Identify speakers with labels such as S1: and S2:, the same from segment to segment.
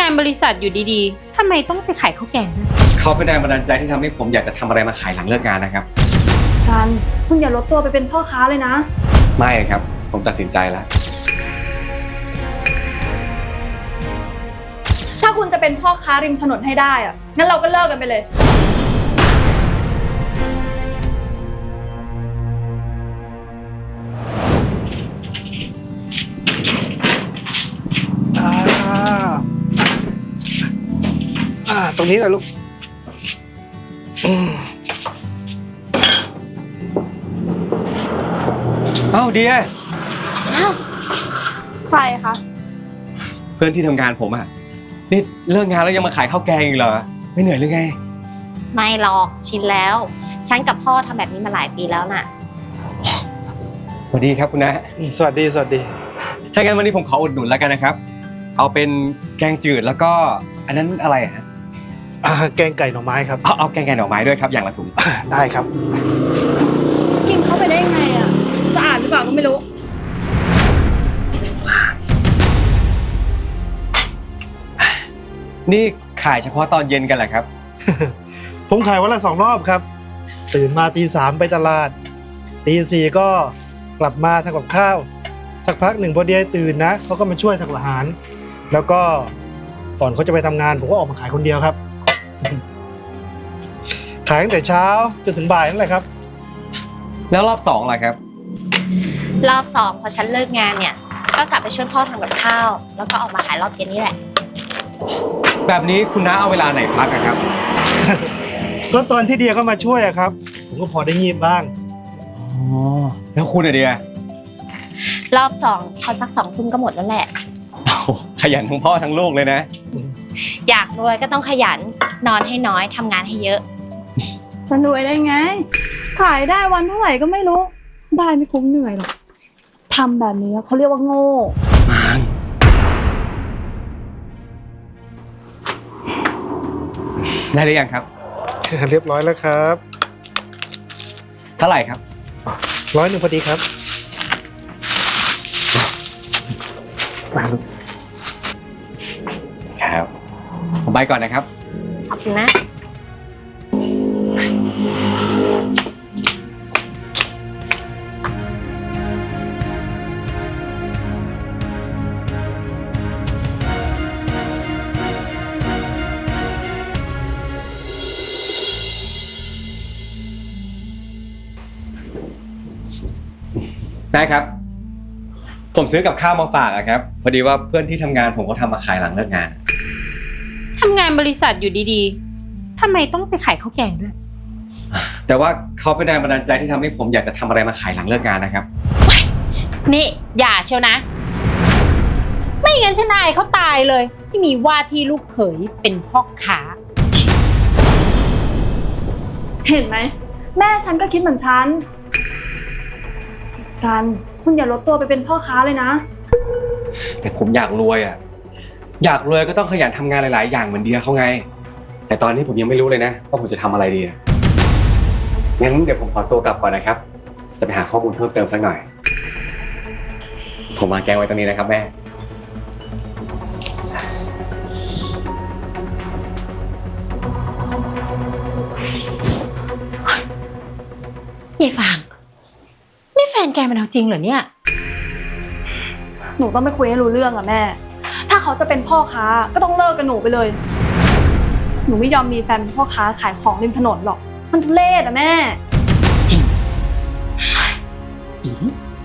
S1: านบริษัทอยู่ดีๆทำไมต้องไปขายข้าวแกงด้วย
S2: เขาเป็นแรงบันดาลใจที่ทำให้ผมอยากจะทำอะไรมาขายหลังเลิกงานนะครับ
S3: กันคุณอย่าลดตัวไปเป็นพ่อค้าเลยนะ
S2: ไม่ครับผมตัดสินใจแล้ว
S3: ถ้าคุณจะเป็นพ่อค้าริมถนนให้ได้อะงั้นเราก็เลิกกันไปเลย
S4: ตรงนี้แหละลูก
S2: เอ้าเดีย
S3: ใครคะ
S2: เพื่อนที่ทำงานผมอะนี่เลิกงานแล้วยังมาขายข้าวแกงอีกเหรอไม่เหนื่อยหรือไง
S1: ไม่หรอกชินแล้วฉันกับพ่อทำแบบนี้มาหลายปีแล้วน่ะ
S2: สวัสดีครับคุณนะ
S4: สวัสดี
S2: ถ้างั้นวันนี้ผมขออุดหนุนแล้วกันนะครับเอาเป็นแกงจืดแล้วก็อันนั้นอะไรฮะ
S4: แกงไก่หน่อไม้ครับ
S2: เอาแกงไก่หน่อไม้ด้วยครับอย่างละถุง
S4: ได้ครับ
S3: กินเข้าไปได้ยังไงอะสะอาดหรือเปล่าก็ไม่รู้
S2: นี่ขายเฉพาะตอนเย็นกันแหละครับ
S4: ผมขายวันละ2 รอบครับตื่นมาตี 3ไปตลาดตี 4ก็กลับมาทำกับข้าวสักพักหนึ่งพอเดียตื่นนะเขาก็มาช่วยทำอาหารแล้วก็ก่อนเขาจะไปทำงานผมก็ออกมาขายคนเดียวครับขายตั้งแต่เช้าจนถึงบ่ายนั่นแหละครับ
S2: แล้วรอบ2ล่ะครับ
S1: รอบ2พอฉันเลิกงานเนี่ยก็กลับไปช่วยพ่อทำกับข้าวแล้วก็ออกมาขายรอบเย็นนี่แหละ
S2: แบบนี้คุณน้าเอาเวลาไหนพักครับ
S4: ก็ตอนที่เดียเข้ามาช่วยอะครับผมก็พอได้งีบบ้าง
S2: อ๋อแล้วคุณอะเดีย
S1: รอบ2พอสัก2 ทุ่มก็หมดแล้วแหละ
S2: ขยันทั้งพ่อทั้งลูกเลยนะ
S1: อยากรวยก็ต้องขยันนอนให้น้อยทำงานให้เยอะ
S3: ฉันรวยได้ไงขายได้วันเท่าไหร่ก็ไม่รู้ได้ไม่คุ้มเหนื่อยหรอกทำแบบนี้เขาเรียกว่าโง่
S2: ได้หรือยังครับ
S4: เรียบร้อยแล้วครับ
S2: เท่าไหร่ครับ
S4: 100พอดีครับ
S2: ครับผมไปก่อนนะครับ
S1: ขอบคุณนะ
S2: ได้ครับผมซื้อกับข้าวมาฝากครับพอดีว่าเพื่อนที่ทำงานผมก็ทำมาขายหลังเลิกงาน
S1: ทำงานบริษัทอยู่ดีๆทำไมต้องไปขายข้าวแกงด้วย
S2: แต่ว่าเขาเป็นแรงบันดาลใจที่ทำให้ผมอยากจะทำอะไรมาขายหลังเลิกงานนะครับ
S1: นี่อย่าเชียวนะไม่งั้นฉันอายเขาตายเลยที่มีว่าที่ลูกเขยเป็นพ่อค้า
S3: เห็นไหมแม่ฉันก็คิดเหมือนฉันกันคุณอย่าลดตัวไปเป็นพ่อค้าเลยนะ
S2: แต่ผมอยากรวยอยากรวยก็ต้องขยันทำงานหลายๆอย่างเหมือนเดียเขาไงแต่ตอนนี้ผมยังไม่รู้เลยนะว่าผมจะทำอะไรดีงั้นเดี๋ยวผมขอตัวกลับก่อนนะครับจะไปหาข้อมูลเพิ่มเติมสักหน่อยผมมาแกงไว้ตรงนี้นะครับแม่
S1: นี่ฟางนี่แฟนแกมันเอาจริงเหรอเนี่ย
S3: หนูต้องไปคุยให้รู้เรื่องอะแม่ถ้าเขาจะเป็นพ่อค้าก็ต้องเลิกกับหนูไปเลยหนูไม่ยอมมีแฟนเป็นพ่อค้าขายของริมถนนหรอกมันทุเรศอะแม่
S1: จริง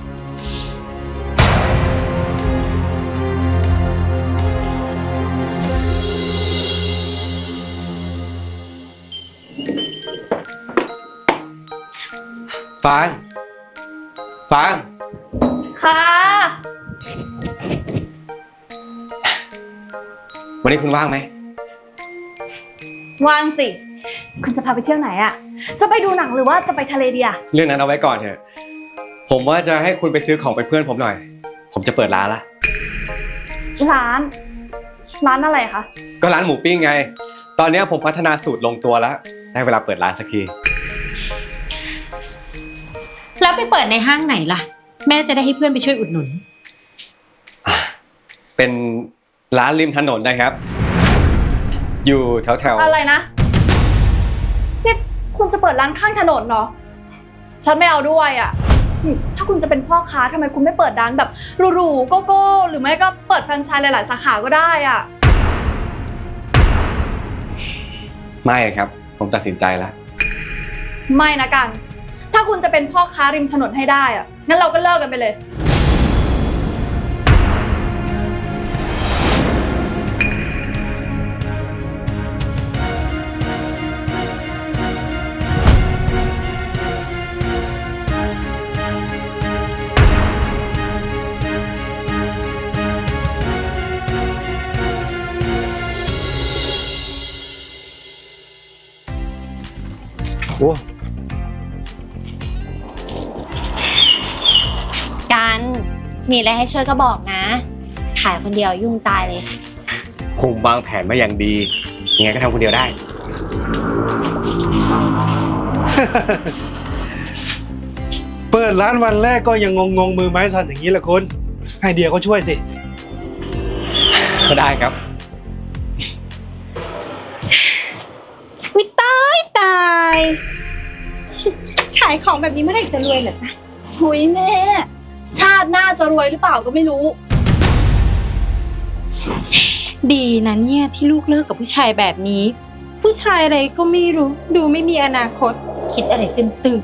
S2: ฟาง
S3: ค่ะ
S2: วันนี้คุณว่างไหม
S3: ว่างสิคุณจะพาไปเที่ยวไหนอะจะไปดูหนังหรือว่าจะไปทะเลดีอะ
S2: เรื่องนั้นเอาไว้ก่อนเถอะผมว่าจะให้คุณไปซื้อของไปเพื่อนผมหน่อยผมจะเปิดร้านละ
S3: ร้านอะไรคะ
S2: ก็ร้านหมูปิ้งไงตอนนี้ผมพัฒนาสูตรลงตัวแล้วได้เวลาเปิดร้านสักที
S1: แล้วไปเปิดในห้างไหนล่ะแม่จะได้ให้เพื่อนไปช่วยอุดหนุน
S2: เป็นร้านริมถนนนะครับอยู่แถว
S3: อะไรนะนี่คุณจะเปิดร้านข้างถนนเหรอฉันไม่เอาด้วยอ่ะถ้าคุณจะเป็นพ่อค้าทำไมคุณไม่เปิดร้านแบบหรูๆโกโก้หรือไม่ก็เปิดแฟรนไชส์หลายๆสาขาก็ได้อ่ะ
S2: ๆไม่ครับ ผมตัดสินใจแล้ว
S3: ไม่นะกัน ถ้าคุณจะเป็นพ่อค้าริมถนนให้ได้อ่ะงั้นเราก็เลิกกันไปเลย
S4: โอ้
S1: กันมีอะไรให้ช่วยก็บอกนะ ขายคนเดียวยุ่งตายเลย
S2: ผมวางแผนมาอย่างดี ยังไงก็ทำคนเดียวได้
S4: เปิดร้านวันแรกก็ยังงงมือไม้สั่นอย่างนี้แหละคุณให้เดียก็ช่วยสิ
S2: ก็ได้ครับ
S1: วิตายตาย ขายของแบบนี้เมื่อไหร่จะรวยเหรอจ๊ะ
S3: หุยแม่ ชาติหน้าจะรวยหรือเปล่าก็ไม่รู้
S1: ดีนะเนี่ยที่ลูกเลิกกับผู้ชายแบบนี้ ผู้ชายอะไรก็ไม่รู้ ดูไม่มีอนาคต คิดอะไรตื่น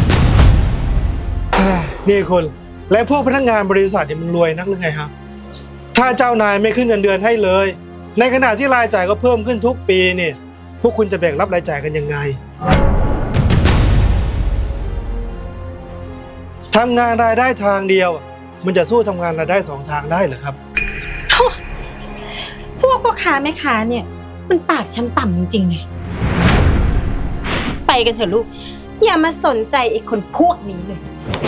S4: นี่คุณและพวกพนักงานบริษัทเนี่ยมันรวยนักหรือไงครับถ้าเจ้านายไม่ขึ้นเงินเดือนให้เลย ในขณะที่รายจ่ายก็เพิ่มขึ้นทุกปีเนี่ยพวกคุณจะแบ่งรับรายจ่ายกันยังไงทำงานรายได้ทางเดียว มันจะสู้ทำงานรายได้2 ทางได้เหรอครับ
S1: ๆพวกพ่อค้าแม่ค้าเนี่ย มันปากชั้นต่ำจริงๆเลยไปกันเถอะลูก อย่ามาสนใจไอ้คนพวกนี้เลย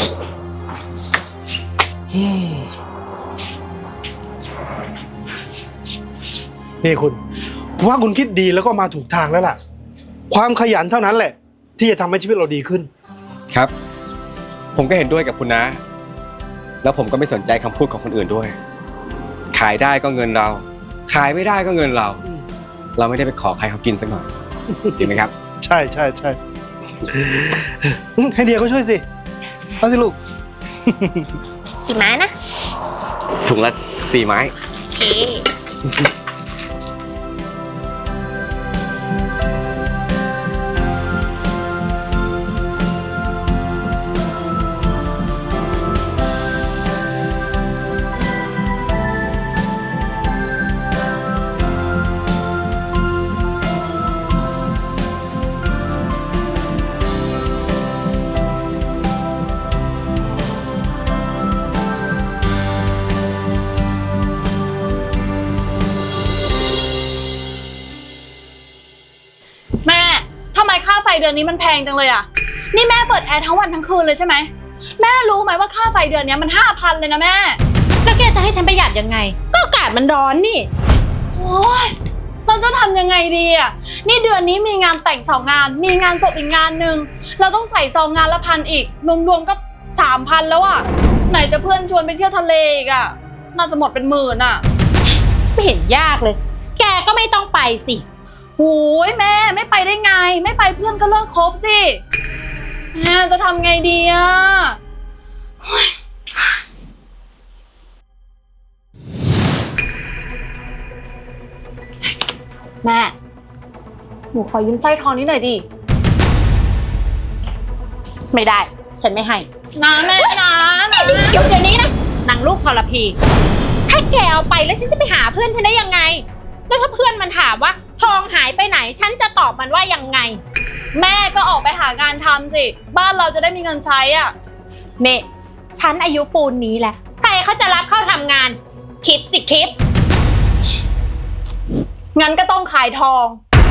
S4: นี่คุณผมว่าคุณคิดดีแล้วก็มาถูกทางแล้วล่ะ ความขยันเท่านั้นแหละ ที่จะทำให้ชีวิตเราดีขึ้น
S2: ครับ ผมก็เห็นด้วยกับคุณนะ แล้วผมก็ไม่สนใจคำพูดของคนอื่นด้วย ขายได้ก็เงินเรา ขายไม่ได้ก็เงินเรา เราไม่ได้ไปขอใครเขากินสักหน่อย ดีไหมครับ
S4: ใช่ใช่ใช่ให้เดียเขาช่วยสิเอาสิลูก
S1: กี่ไม้นะ
S2: ถุงละ4 ไม้
S1: โอเค
S3: แม่ทำไมค่าไฟเดือนนี้มันแพงจังเลยอ่ะนี่แม่เปิดแอร์ทั้งวันทั้งคืนเลยใช่ไหมแม่รู้ไหมว่าค่าไฟเดือนนี้มัน 5,000 เลยนะแม่
S1: แล้วแกจะให้ฉันประหยัดยังไง ก็อากาศมันร้อนนี่
S3: โอ้ยเราจะทำยังไงดีอ่ะนี่เดือนนี้มีงานแต่ง2 งานมีงานจบอีกงานหนึ่งเราต้องใส่ซองงานละ1,000อีกรวมๆก็ 3,000 แล้วอ่ะไหนจะเพื่อนชวนไปเที่ยวทะเลอีกอ่ะน่าจะหมดเป็นหมื่นอ่ะ
S1: ไม่เห็นยากเลย แกก็ไม่ต้องไปสิ
S3: โอ้ยแม่ไม่ไปได้ไงไม่ไปเพื่อนก็เลิกคบสิแม่จะทำไงดีอ่ะแม่หนูขอยืมสร้อยทองนี้หน่อยดิ
S1: ไม่ได้ ฉันไม่ให้
S3: นะแม่นะ
S1: เดี๋ยวนี้นะนางลูกทรพี ถ้าแกเอาไปแล้วฉันจะไปหาเพื่อนฉันได้ยังไง แล้วถ้าเพื่อนมันถามว่าทองหายไปไหน ฉันจะตอบมันว่ายังไง
S3: แม่ก็ออกไปหางานทำสิบ้านเราจะได้มีเงินใช้อ่ะ
S1: เน่ฉันอายุปูนนี้แหละใครเขาจะรับเข้าทำงาน คิดสิคิด
S3: งั้นก็ต้องขายทอง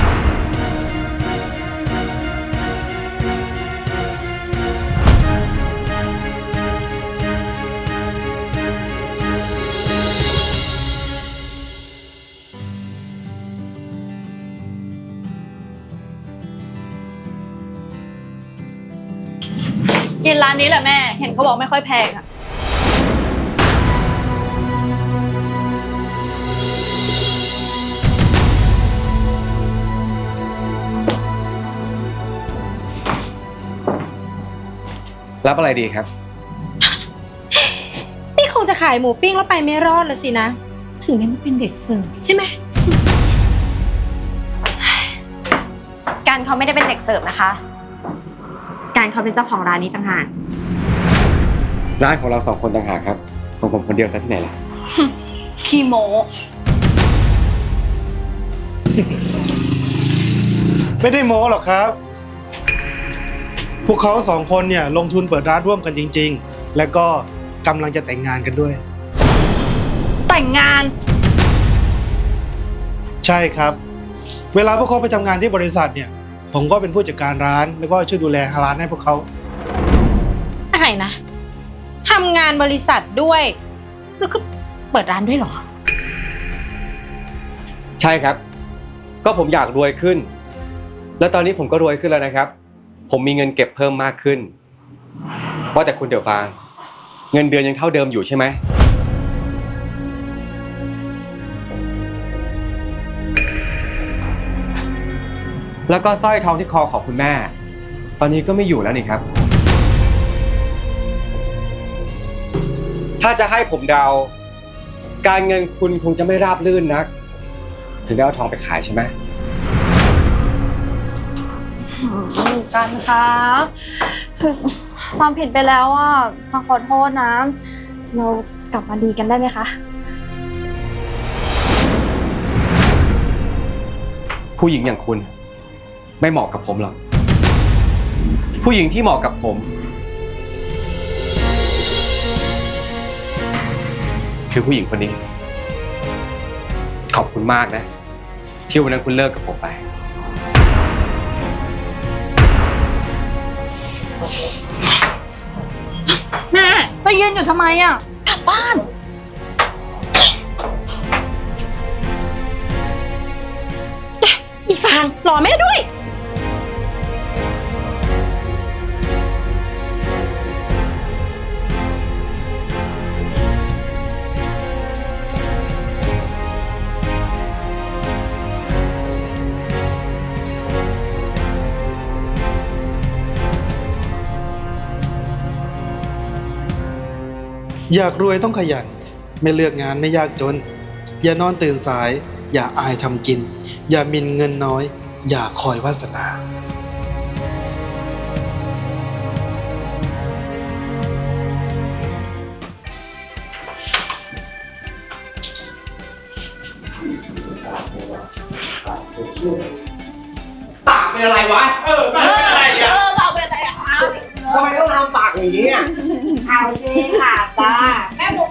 S3: กินร้านนี้แหละแม่ เห็นเขาบอกไม่ค่อยแพงอะ
S2: รับอะไรดีครับ
S1: นี่คงจะขายหมูปิ้งแล้วไปไม่รอดละสินะ ถึงได้มาเป็นเด็กเสิร์ฟใช่ไหม
S5: การเขาไม่ได้เป็นเด็กเสิร์ฟนะคะ การเขาเป็นเจ้าของร้านนี้ต่างหาก
S2: ร้านของเรา2 คนต่างหากครับของผมคนเดียวซะที่ไหนล่ะ
S3: ขี้โม
S4: ไม่ได้โม้หรอกครับ พวกเขา2 คนเนี่ยลงทุนเปิดร้านร่วมกันจริงๆ และก็กำลังจะแต่งงานกันด้วย
S3: แต่งงาน
S4: ใช่ครับ เวลาพวกเขาไปทำงานที่บริษัทเนี่ย ผมก็เป็นผู้จัดการร้านแล้วก็ช่วยดูแลร้านให้พวกเขา
S1: อะไรนะทำงานบริษัทด้วย แล้วก็เปิดร้านด้วยเหรอ
S2: ใช่ครับ ก็ผมอยากรวยขึ้น แล้วตอนนี้ผมก็รวยขึ้นแล้วนะครับ ผมมีเงินเก็บเพิ่มมากขึ้นว่าแต่คุณเดี๋ยวฟางเงินเดือนยังเท่าเดิมอยู่ใช่ไหมแล้วก็สร้อยทองที่คอของคุณแม่ ตอนนี้ก็ไม่อยู่แล้วนี่ครับ ถ้าจะให้ผมเดา การเงินคุณคงจะไม่ราบรื่นนัก ถึงได้เอาทองไปขายใช่ไหม
S3: กันคะคือความผิดไปแล้วอ่ะมาขอโทษนะ เรากลับมาดีกันได้ไหมคะ
S2: ผู้หญิงอย่างคุณ ไม่เหมาะกับผมหรอก ผู้หญิงที่เหมาะกับผม คือผู้หญิงคนนี้ ขอบคุณมากนะ ที่วันนั้นคุณเลิกกับผมไป
S3: แม่จะยืนอยู่ทำไมอ่ะ กลับบ้าน
S1: อีฟางรอแม่ด้วย
S4: อยากรวยต้องขยัน ไม่เลือกงานไม่ยากจน อย่านอนตื่นสาย อย่าอายทำกิน อย่าหมินเงินน้อย อย่าคอยวาสนา
S2: ปากเป็นอะไรวะ เป็นอะไรอ่ะ
S3: เราเป็นอะไรอ่ะ
S2: ทำไมต้องทำปากอย่างนี้อ่ะ
S1: เอาสิค่ะจ้าแม่หมู